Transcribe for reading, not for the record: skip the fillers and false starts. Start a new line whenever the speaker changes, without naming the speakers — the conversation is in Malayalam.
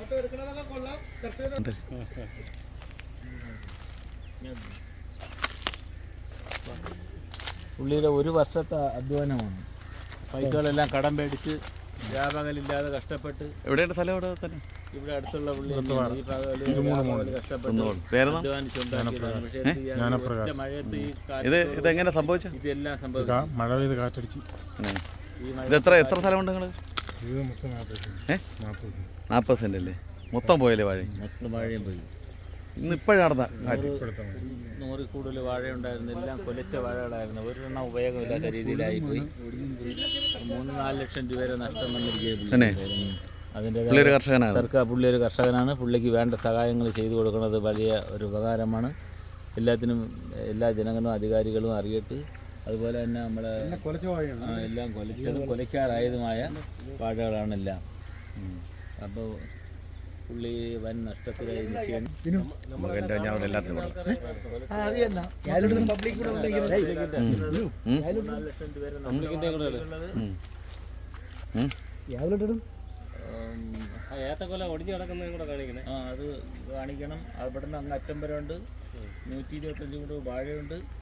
പുള്ളിയുടെ ഒരു വർഷത്തെ അധ്വാനമാണ്. പൈസകളെല്ലാം കടം പേടിച്ച് വ്യാപകമില്ലാതെ കഷ്ടപ്പെട്ട്.
എവിടെയാണ് സ്ഥലം? ഇവിടെ തന്നെ,
ഇവിടെ അടുത്തുള്ള പുള്ളി ഈ കഷ്ടപ്പെട്ട്
ഇതെങ്ങനെ സംഭവിച്ചു?
ഇതെല്ലാം സംഭവിച്ചു.
മഴ പെയ്ത് കാറ്റടിച്ച്.
ഇത് എത്ര സ്ഥലമുണ്ട് നിങ്ങൾ? 40 സെന്റ് അല്ലേ? മൊത്തം പോയല്ലേ വാഴ?
മൊത്തം വാഴയും പോയി.
ഇന്ന് ഇപ്പോഴാണ്
100 കൂടുതൽ വാഴയുണ്ടായിരുന്നു. എല്ലാം കൊലച്ച വാഴകളായിരുന്നു. ഒരെണ്ണം ഉപയോഗമില്ലാത്ത രീതിയിലായിപ്പോയി. 3-4 ലക്ഷം രൂപ നഷ്ടം വന്നിരിക്കുകയാണ്. അതിൻ്റെ പുള്ളി ഒരു കർഷകനാണ്. പുള്ളിക്ക് വേണ്ട സഹായങ്ങൾ ചെയ്തു കൊടുക്കുന്നത് വലിയ ഒരു ഉപകാരമാണ്. എല്ലാത്തിനും എല്ലാ ജനങ്ങളും അധികാരികളും അറിയട്ട്. അതുപോലെ തന്നെ നമ്മളെ എല്ലാം കൊലച്ചതും കൊലയ്ക്കാറായതുമായ വാഴകളാണെല്ലാം. അപ്പോൾ പുള്ളി വൻ നഷ്ടത്തിലായി നിൽക്കുകയാണ്. ഏത്തക്കൊല ഒടിഞ്ഞ് കിടക്കുന്നതും കൂടെ കാണിക്കണേ. അത് കാണിക്കണം. അവിടെ നിന്ന് അങ്ങ് അറ്റം വരെ ഉണ്ട്. 125 കൂടെ വാഴയുണ്ട്.